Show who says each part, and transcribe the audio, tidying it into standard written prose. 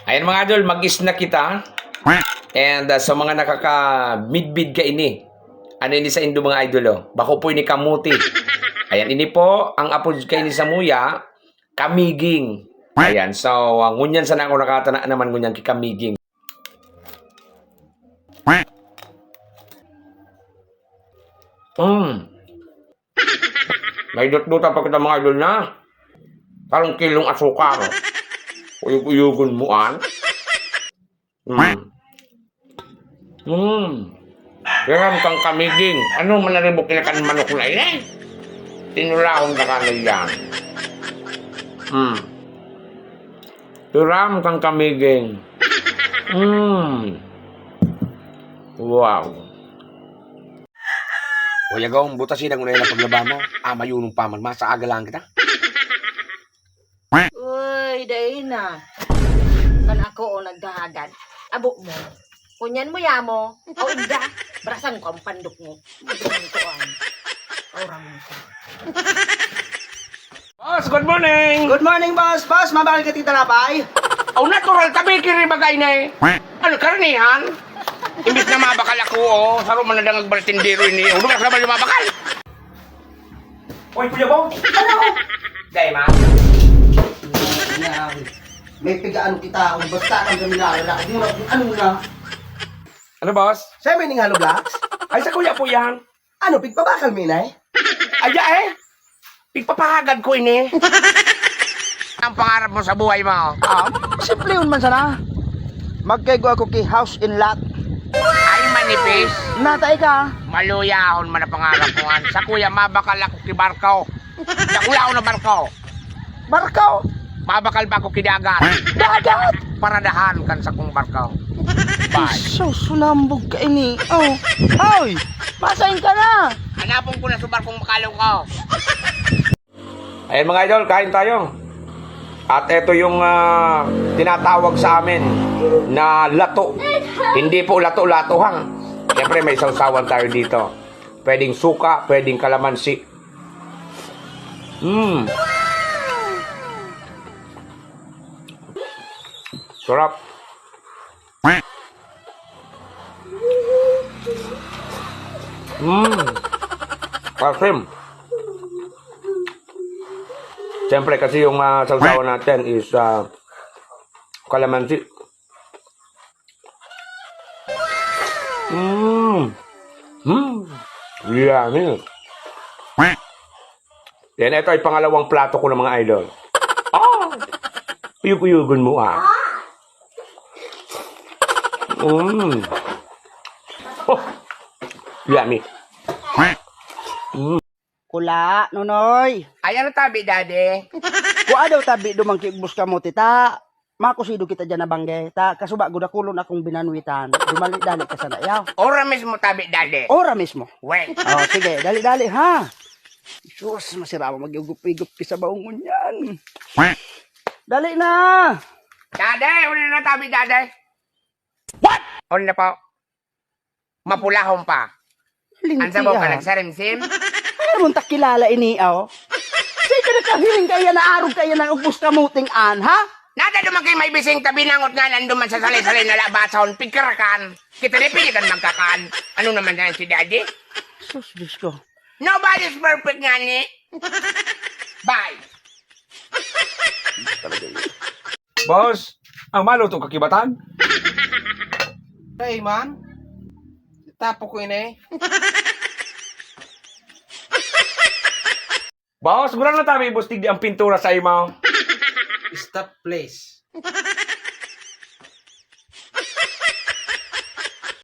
Speaker 1: Ayan mga idol, mag-snack kita. And sa mga nakaka-midbid ka ini. Ano ini sa Indo mga idol oh? Bako po ini kamuti. Ayan, ini po ang apo kay ni Samuya, kamiging. Ayan, so ngunyan sana ako nakatana naman ngunyan ki kamiging. May dot-dota pa kita mga idol na. Parang kilong asukar. Uyug-uyugon mo an. Yaram kang kamiging. Ano manaribok na kan manok na yan? Tinulahon na ka na yan. Yaram kang kamiging. Wow. O yagaw, butasin ang unay na paglaba mo. Mayunong paman, masa aga lang kita.
Speaker 2: Uy, dahil na. Kan ako o nagdahagan. Abo mo. Kunyan mo yamo. O inda. Barasan ko ang pandok mo. Magandang ko ang. Orang mo.
Speaker 1: Boss, good morning!
Speaker 3: Good morning, boss. Boss, mabakal ka tita Lapay.
Speaker 1: Oh, natural tabi kiri bagay na eh. Ano, karanihan? Imbis na mabakal ako, oh. Saro man na dangag bartendero ini. Ulo ka naman yung mabakal. Uy, Kuya Bong! Ano? Gay, ma?
Speaker 3: May pigaan kita. Kung basta kang gaminala. Ano na?
Speaker 1: Ano, boss?
Speaker 3: Sa'yo may halo blocks?
Speaker 1: Ay, sa kuya po yan.
Speaker 3: Ano, pigpabakal mo inay?
Speaker 1: Aya eh. Pigpapahagad ko ini. Ang pangarap mo sa buhay mo.
Speaker 3: Simple yun man sana. Magkaigo ako ki house in lot.
Speaker 1: Ay, manipis.
Speaker 3: Natay ka.
Speaker 1: Maluyahon man ang pangarap mo. Sa kuya, mabakal ako ki Barkaw. Nakula ako na Barkaw.
Speaker 3: Barkaw.
Speaker 1: Mabakal ba ako ki Dagat?
Speaker 3: Dagat.
Speaker 1: Paradahan kan sa kong Barkaw. Bye.
Speaker 3: So, sulambog ka ini. Oh. Hoy. Masain ka na.
Speaker 1: Hanapon ko na sa barkong makalaw ko. Ayan mga idol, kain tayo. At ito yung tinatawag sa amin na lato. Hindi po lato-lato hang. Siyempre may sausawan tayo dito. Pwedeng suka, pwedeng kalamansi. Sarap. Asim. Siyempre kasi yung sausawan natin is kalamansi. Yummy. Yan, ito ay pangalawang plato ko ng mga idol. Uyug-uyugon mo Yummy.
Speaker 3: Kula, nonoy.
Speaker 1: Ayan ang tabi, daddy.
Speaker 3: Kua daw tabi dumangkibus ka mo, tita. Makusido kita dyan na bangge. Ta, kasuba, gudakulon akong binanwitan. Dumali-dali ka sana, yaw.
Speaker 1: Ora mismo tabi, daddy.
Speaker 3: Ora mismo.
Speaker 1: Wait.
Speaker 3: Oh, sige, dali-dali, ha? Sus, masira mo mag-igup-igup ka sa baungon yan. Dali na!
Speaker 1: Daddy, uli na tabi, daddy. What? Uli na po. Mapulahon pa. Ang sabaw ka nagsarimsim?
Speaker 3: Ay, muntak kilala ini, oh. Sige na kahiling kaya na arog kaya na ubus kamuting an, ha?
Speaker 1: Nada duman kayo may bising tabi nangot nga nanduman sa salay-salay na labason, pigkarakan. Kita na piligan magkakaan. Ano naman yan si daddy?
Speaker 3: Sus, Diyos ko.
Speaker 1: Nobody's perfect nga ni. Bye. Boss, ang maluto kakibatan?
Speaker 4: Hey man, tapo ko ini.
Speaker 1: Boss, gurang na tabi bustig di ang pintura sa imaw.
Speaker 4: Stop please.